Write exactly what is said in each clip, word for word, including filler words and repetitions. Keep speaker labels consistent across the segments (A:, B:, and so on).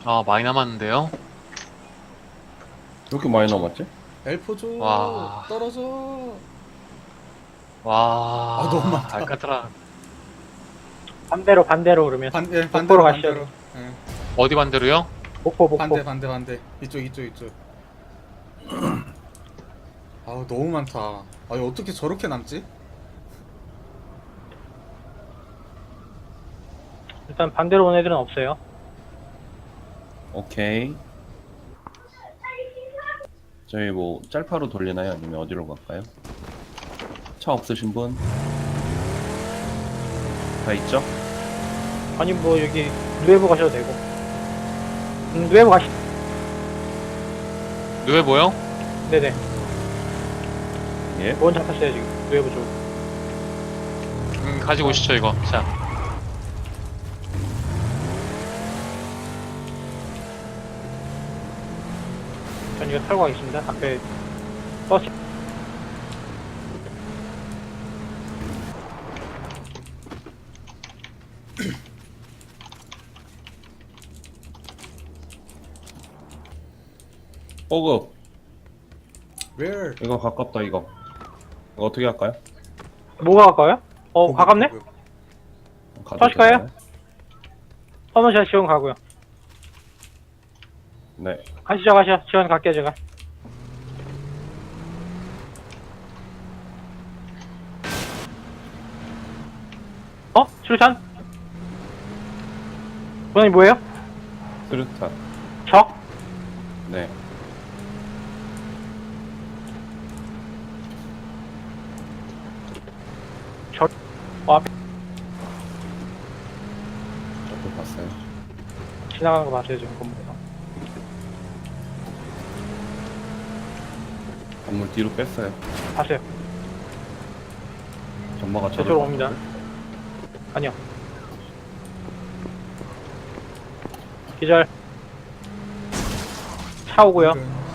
A: 아, 많이 남았는데요?
B: 왜 이렇게 많이 남았지?
C: 엘포 줘.
A: 와.
C: 떨어져. 아 너무
A: 와,
C: 많다.
A: 알카트라.
D: 반대로 반대로 그러면
C: 반 예,
D: 목포로
C: 반대로
D: 가시죠.
C: 반대로. 예.
A: 어디 반대로요?
D: 목포 목포.
C: 반대 반대 반대. 이쪽 이쪽 이쪽. 아우 너무 많다. 아 이거 어떻게 저렇게 남지?
D: 일단 반대로 온 애들은 없어요.
B: 오케이. 저희 뭐 짤파로 돌리나요? 아니면 어디로 갈까요? 차 없으신 분? 다 있죠?
D: 아니 뭐 여기 누에보 가셔도 되고. 음, 누에보 가시.
A: 누에 보여?
D: 네네.
B: 예.
D: 원 잡혔어요 지금. 누에보 쪽.
A: 음, 가지고 오시죠, 이거. 자.
D: 전 이거 타고 가겠습니다. 앞에 버스.
B: 뽀급.
C: Where?
B: 이거 가깝다 이거. 이거 어떻게 할까요?
D: 뭐가 가까워요? 어
C: 보급,
D: 가깝네?
C: 보급.
B: 가도
D: 터질까요?
B: 되나요?
D: 한번 제가 지원 가고요.
B: 네.
D: 가시죠 가시죠. 지원 갈게요 제가. 어? 출산? 본인이 뭐예요?
B: 스르탄.
D: 적?
B: 네.
D: 적? 어 앞에
B: 저도 봤어요.
D: 지나가는 거 봤어요 지금 건물에서.
B: 건물 뒤로 뺐어요.
D: 봤어요.
B: 전마가 저를
D: 저쪽으로 옵니다. 아니요. 기절. 차 오고요.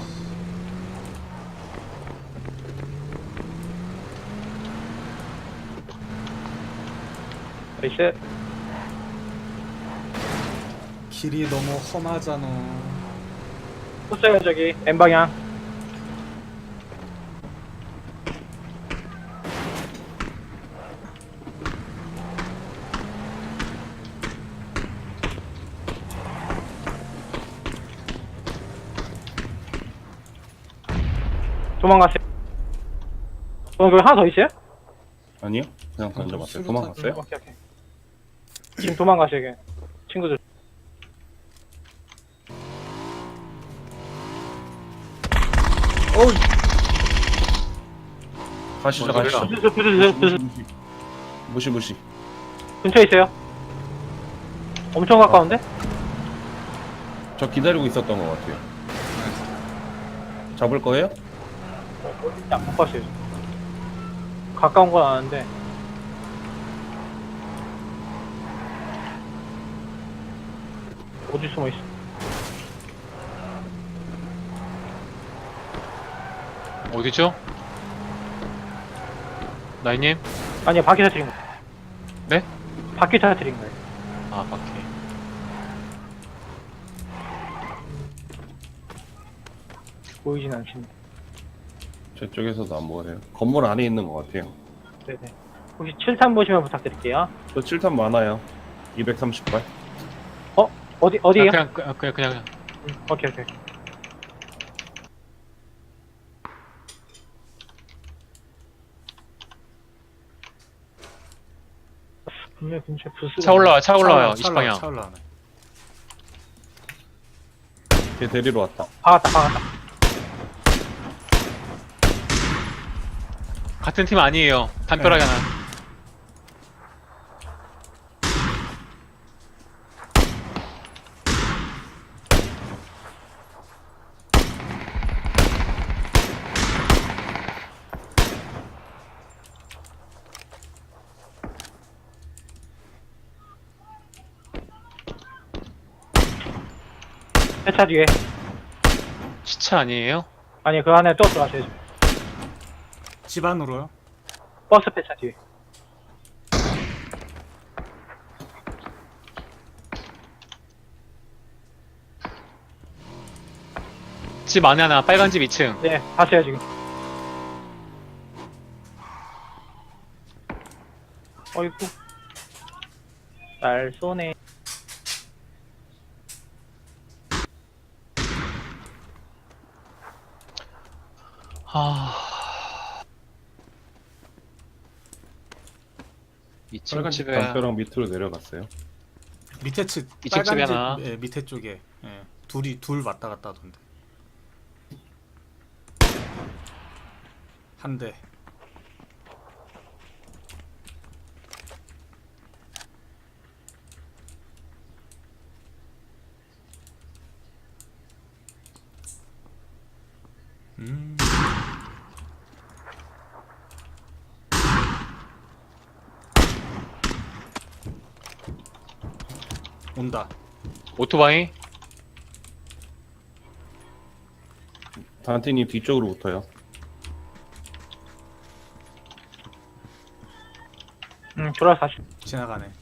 D: 나이스.
C: 길이 너무 험하잖아.
D: 쏘어요 저기 N방향. 도망갔어요. 어, 거기 하나 더 있어요?
B: 아니요? 그냥 던져봤어요.
C: 수류탄
B: 도망갔어요?
D: 오케이, 오케이. 지금 도망가셔야 돼. 친구들.
C: 어우
B: 가시죠
A: 뭔 소리야?
B: 가시죠.
D: 부스, 부스, 부스, 부스.
B: 무시 무시.
D: 근처에 있어요. 엄청 가까운데?
B: 저 기다리고 있었던 것 같아요. 잡을 거예요?
D: 어, 어딘지 안 봤어요. 가까운 건 아는데. 어디 숨어 있어?
A: 어디죠? 나이님?
D: 아니요, 바퀴 터트린 거.
A: 네?
D: 바퀴 터트린 거예요.
A: 아, 바퀴.
D: 보이진 않습니다.
B: 저쪽에서도 안 보여요. 건물 안에 있는 것 같아요.
D: 네네. 혹시 칠탄 보시면 부탁드릴게요.
B: 저 칠탄 많아요. 이백삼십 발.
D: 어? 어디, 어디에요?
A: 그냥, 그냥, 그냥, 그냥, 그냥.
D: 음, 오케이, 오케이. 분명 근처에 부스가.
A: 차 올라와, 차 올라와요.
C: 차 올라,
A: 이십 방향.
C: 차 올라오네.
B: 걔 데리러 왔다.
D: 박았다, 박았다.
A: 같은 팀 아니에요. 담벼락에 하나.
D: 폐차 뒤에.
A: 시차 아니에요?
D: 아니, 그 안에 또 들어가셔야죠.
C: 집 안으로요?
D: 버스 폐차 뒤에.
A: 집 안에 하나, 빨간 집 이 층.
D: 네, 봤어요 지금. 어이구. 날 쏘네.
A: 아. 이 층
B: 빨간 집
A: 집에
B: 담벼락 밑으로 내려갔어요.
C: 밑에 측
A: 이쪽 집에
C: 빨간 집
A: 하나.
C: 예, 밑에 쪽에 예, 둘이 둘 왔다 갔다 하던데. 한 대. 음. 온다.
A: 오토바이.
B: 단티님 뒤쪽으로 붙어요.
D: 음, 돌아서 다시.
C: 지나가네.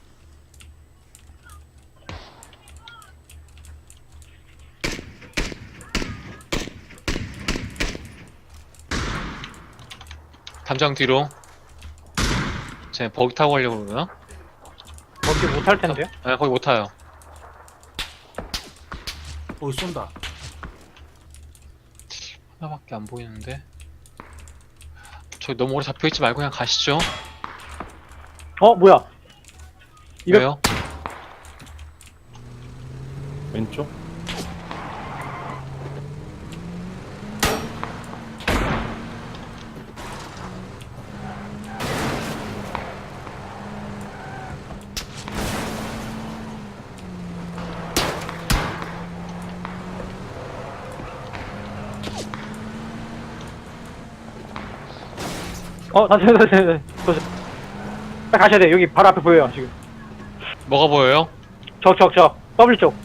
A: 담장 뒤로. 쟤 버기 타고 가려고 그러나?
D: 거기 못할 텐데요?
A: 아, 거기 못 타요.
C: 오 쏜다.
A: 하나밖에 안 보이는데. 저기 너무 오래 잡혀있지 말고 그냥 가시죠.
D: 어, 뭐야? 이거-
A: 왜요?
B: 왼쪽?
D: 어, 다시, 다시, 다시, 다시. 빨리 가셔야 돼. 여기 바로 앞에 보여요, 지금.
A: 뭐가 보여요?
D: 적, 적, 적. 더블 쪽.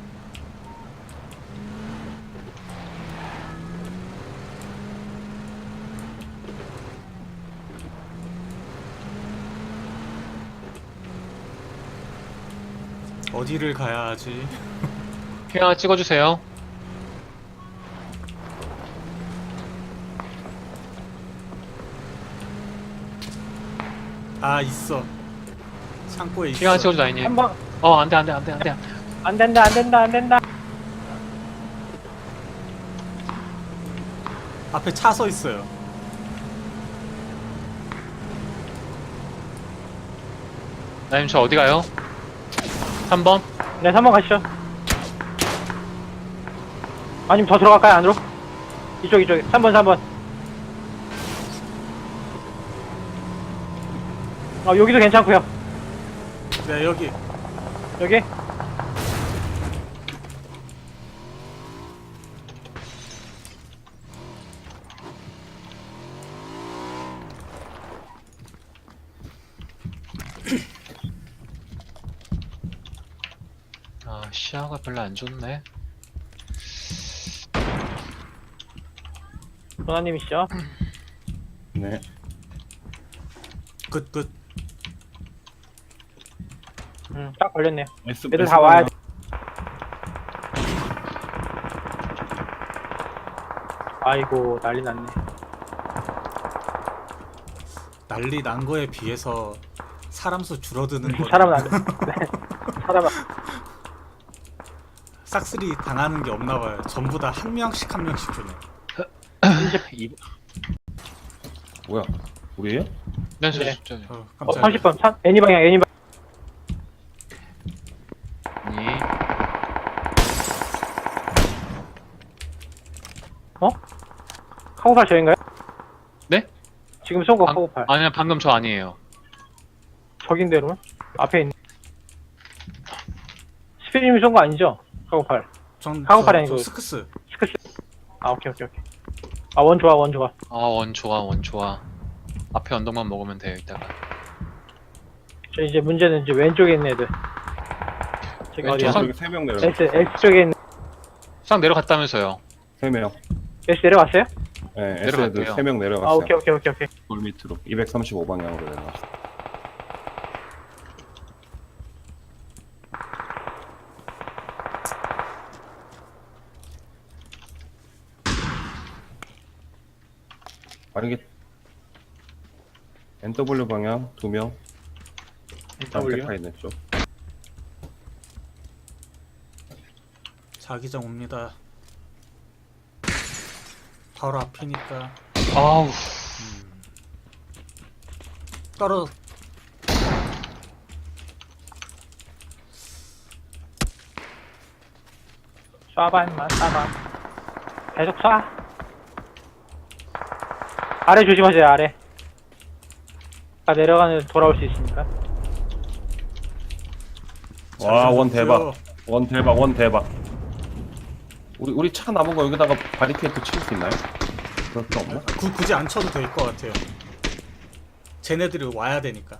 C: 어디를 가야 하지?
A: 핑 하나 찍어주세요.
C: 아 있어. 창고에 있어.
A: 핑 하나 찍어줘, 나이님.
D: 한 번.
A: 어, 안 돼, 안 돼, 안 돼, 안 돼.
D: 안 된다, 안 된다, 안 된다.
C: 앞에 차 서 있어요.
A: 나님, 저 어디 가요? 삼 번?
D: 네, 삼 번 가시죠. 아니면 더 들어갈까요, 안으로? 이쪽, 이쪽. 삼 번, 삼 번. 어, 여기도 괜찮고요.
C: 네 여기.
D: 여기?
A: 아, 시야가 별로 안 좋네.
D: 도나님이시죠?
B: 네.
C: 끝 끝.
D: 음, 딱 걸렸네요.
B: S,
D: 애들
B: S
D: 다 와야 돼. 아이고, 난리 났네.
C: 난리 난 거에 비해서 사람 수 줄어드는 거.
D: 사람은 안 돼. 네. 사람은.
C: 싹쓸이 당하는 게 없나 봐요. 전부 다 한 명씩 한 명씩 주네.
A: 이,
B: 뭐야? 우리예요?
A: 네, 저,
D: 네.
A: 저, 저,
C: 어,
D: 어,
C: 깜짝이야.
D: 삼십 번. 참, 애니 방향, 애니 방향.
A: 아니.
D: 어? 카고팔 저인가요?
A: 네?
D: 지금 쏜 거
A: 방,
D: 카고팔.
A: 아니요, 방금 저 아니에요.
D: 적인대로? 앞에 있는. 스피님이 쏜 거 아니죠? 카고팔.
C: 전
D: 카고팔이
C: 저-
D: 아니고.
C: 저 스크스.
D: 스크스. 아, 오케이, 오케이, 오케이. 아, 원 좋아, 원 좋아.
A: 아, 원 좋아, 원 좋아. 앞에 언덕만 먹으면 돼요, 이따가.
D: 저 이제 문제는 이제 왼쪽에 있는 애들. 저기
A: 왼쪽
D: 어디야?
A: 선-
B: 저기 세 명
D: S,
B: 내려갔어요.
D: S 쪽에 있는.
A: 싹 내려갔다면서요.
B: 세 명.
D: S 내려갔어요?
B: 네, S
A: 내려갔대요.
B: 애들 세 명
D: 아,
B: 내려갔어요.
D: 오케이, 오케이, 오케이, 오케이.
B: 돌 밑으로 이백삼십오 방향으로 내려갔어요. 만약에 엔더블유 방향 두 명.
D: W.
B: 타 있는 쪽.
C: 자기장 옵니다. 바로 앞이니까.
A: 아우.
C: 음. 떨어.
D: 쏴봐 임마 쏴봐. 계속 쏴. 아래 조심하세요 아래. 다 내려가는 돌아올 수 있으니까.
B: 와, 원
C: 잘
B: 대박.
C: 잡았고요.
B: 원 대박, 원 대박. 우리 우리 차 남은 거 여기다가 바리케이트 칠 수 있나요? 그럴 거 없나?
C: 구, 굳이 안 쳐도 될 것 같아요. 쟤네들이 와야 되니까.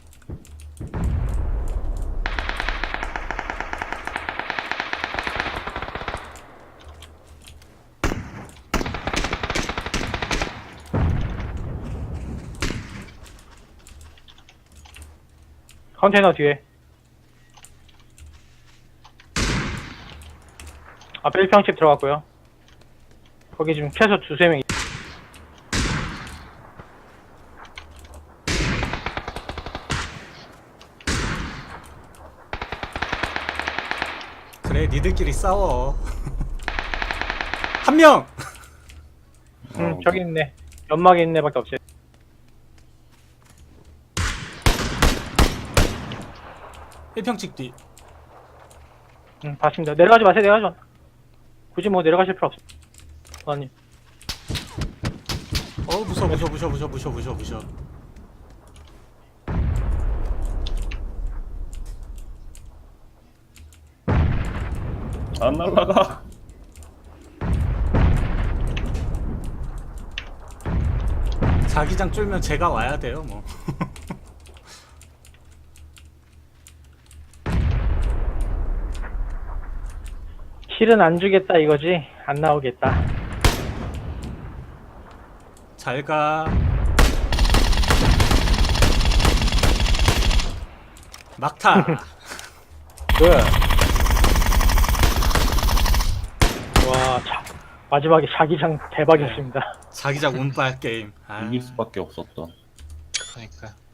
D: 컨테이너 뒤에. 앞에 일 평집 들어갔고요. 거기 지금 최소 두세 명.
C: 그래, 니들끼리 싸워. 한 명!
D: 응,
B: 어,
D: 저기 있네. 연막에 있네 밖에 없어요.
C: 일평집 뒤.
D: 응, 봤습니다. 내려가지 마세요, 내려가지 마. 굳이 뭐 내려가실 필요 없어. 아니,
C: 어, 무서워, 무서워, 무서워, 무서워, 무서워, 무서워, 무서워.
B: 안 날라가.
C: 자기장 쫄면 제가 와야 돼요, 뭐.
D: 실은 안 주겠다 이거지. 안 나오겠다.
C: 잘 가. 막타.
D: 그. 와, 자, 마지막에 자기장 대박이었습니다.
C: 자기장 운빨 게임. 아.
B: 이길 수밖에 없었던.
A: 그러니까.